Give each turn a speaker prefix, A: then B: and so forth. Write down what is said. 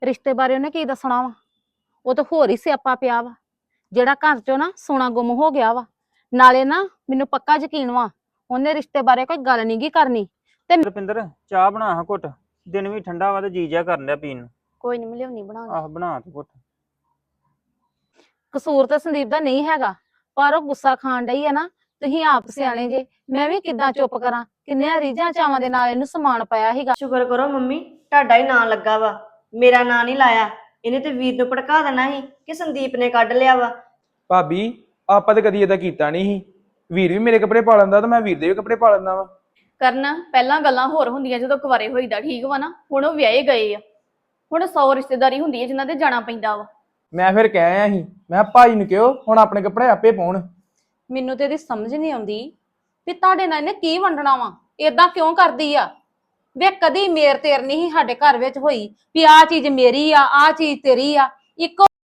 A: ਰਿਸ਼ਤੇ ਬਾਰੇ ਉਹਨੇ ਕੀ ਦੱਸਣਾ ਵਾ? ਉਹ ਤਾਂ ਹੋਰ ਹੀ ਸਿਆਪਾ ਪਿਆ ਵਾ, ਜਿਹੜਾ ਘਰ ਚੋਂ ਨਾ ਸੋਨਾ ਗੁੰਮ ਹੋ ਗਿਆ ਵਾ। ਨਾਲੇ ਨਾ ਮੈਨੂੰ ਪੱਕਾ ਯਕੀਨ ਵਾ ਉਹਨੇ ਰਿਸ਼ਤੇ ਬਾਰੇ ਕੋਈ ਗੱਲ ਨਹੀਂ ਗੀ ਕਰਨੀ। ਤੇ
B: ਰੁਪਿੰਦਰ ਚਾਹ ਬਣਾ ਹਾਂ ਘੁੱਟ। ਦਿਨ ਵੀ ਠੰਡਾ ਵਾ ਤੇ ਜੀ ਜਿਹਾ ਕਰਨ ਡਿਆ ਪੀਣ ਨੂੰ।
A: ਕੋਈ ਨਹੀਂ ਲਿਆਉਣੀ ਬਣਾ ਕੇ।
B: ਆਹ ਬਣਾ ਤੂੰ ਘੁੱਟ।
A: ਕਸੂਰ ਤਾਂ ਸੰਦੀਪ ਦਾ ਨਹੀਂ ਹੈਗਾ, ਪਰ ਉਹ ਗੁੱਸਾ ਖਾਣ ਡਈ ਆ ਨਾ। ਤੁਸੀਂ ਆਪ ਸਿਆਣੇ ਜੇ, ਮੈਂ ਵੀ ਕਿੱਦਾਂ ਚੁੱਪ ਕਰਾਂ? ਕਿੰਨੀਆਂ ਰੀਝਾਂ ਚਾਵਾਂ ਦੇ ਨਾਲ ਇਹਨੂੰ ਸਮਾਨ ਪਾਇਆ ਸੀਗਾ।
C: ਸ਼ੁਕਰ ਕਰੋ ਮੰਮੀ, ਤੁਹਾਡਾ ਹੀ ਨਾਂ ਲੱਗਾ ਵਾ, ਮੇਰਾ ਨਾਂ ਨਹੀਂ ਲਾਇਆ। ਇਹਨੇ ਤੇ ਵੀਰ ਨੂੰ ਭੜਕਾ ਦੇਣਾ ਸੀ ਕਿ ਸੰਦੀਪ ਨੇ ਕੱਢ ਲਿਆ ਵਾ।
D: ਭਾਬੀ ਆਪਾਂ ਤੇ ਕਦੀ ਏਦਾਂ ਕੀਤਾ ਨਹੀਂ ਸੀ। ਵੀਰ ਵੀ ਮੇਰੇ ਕੱਪੜੇ ਪਾ ਲੈਂਦਾ ਤੇ ਮੈਂ ਵੀਰ ਦੇ ਵੀ ਕੱਪੜੇ ਪਾ ਲੈਂਦਾ ਵਾ।
E: ਕਰਨਾ ਪਹਿਲਾਂ ਗੱਲਾਂ ਹੋਰ ਹੁੰਦੀਆਂ ਜਦੋਂ ਕੁਵਾਰੇ ਹੋਈਦਾ, ਠੀਕ ਵਾ ਨਾ। ਹੁਣ ਉਹ ਵਿਆਹੇ ਗਏ ਆ, ਹੁਣ 100 ਰਿਸ਼ਤੇਦਾਰੀ ਹੁੰਦੀ ਹੈ ਜਿਨ੍ਹਾਂ ਦੇ ਜਾਣਾ ਪੈਂਦਾ ਵਾ।
D: ਮੈਂ ਫਿਰ ਕਹਿ ਆਇਆ ਸੀ, ਮੈਂ ਭਾਈ ਨੂੰ ਕਿਹਾ ਹੁਣ ਆਪਣੇ ਕੱਪੜੇ ਆਪੇ ਪਾਉਣ।
A: ਮੈਨੂੰ ਤੇ ਇਹਦੀ ਸਮਝ ਨਹੀਂ ਆਉਂਦੀ ਵੀ ਤੁਹਾਡੇ ਨਾਲ ਇਹਨੇ ਕੀ ਵੰਡਣਾ ਵਾ, ਏਦਾਂ ਕਿਉਂ ਕਰਦੀ ਆ? ਵੇ ਕਦੀ ਮੇਰ ਤੇਰ ਨਹੀਂ ਸੀ ਸਾਡੇ ਘਰ ਵਿੱਚ ਹੋਈ ਵੀ ਆਹ ਚੀਜ਼ ਮੇਰੀ ਆ ਆਹ ਚੀਜ਼ ਤੇਰੀ ਆ। ਇੱਕੋ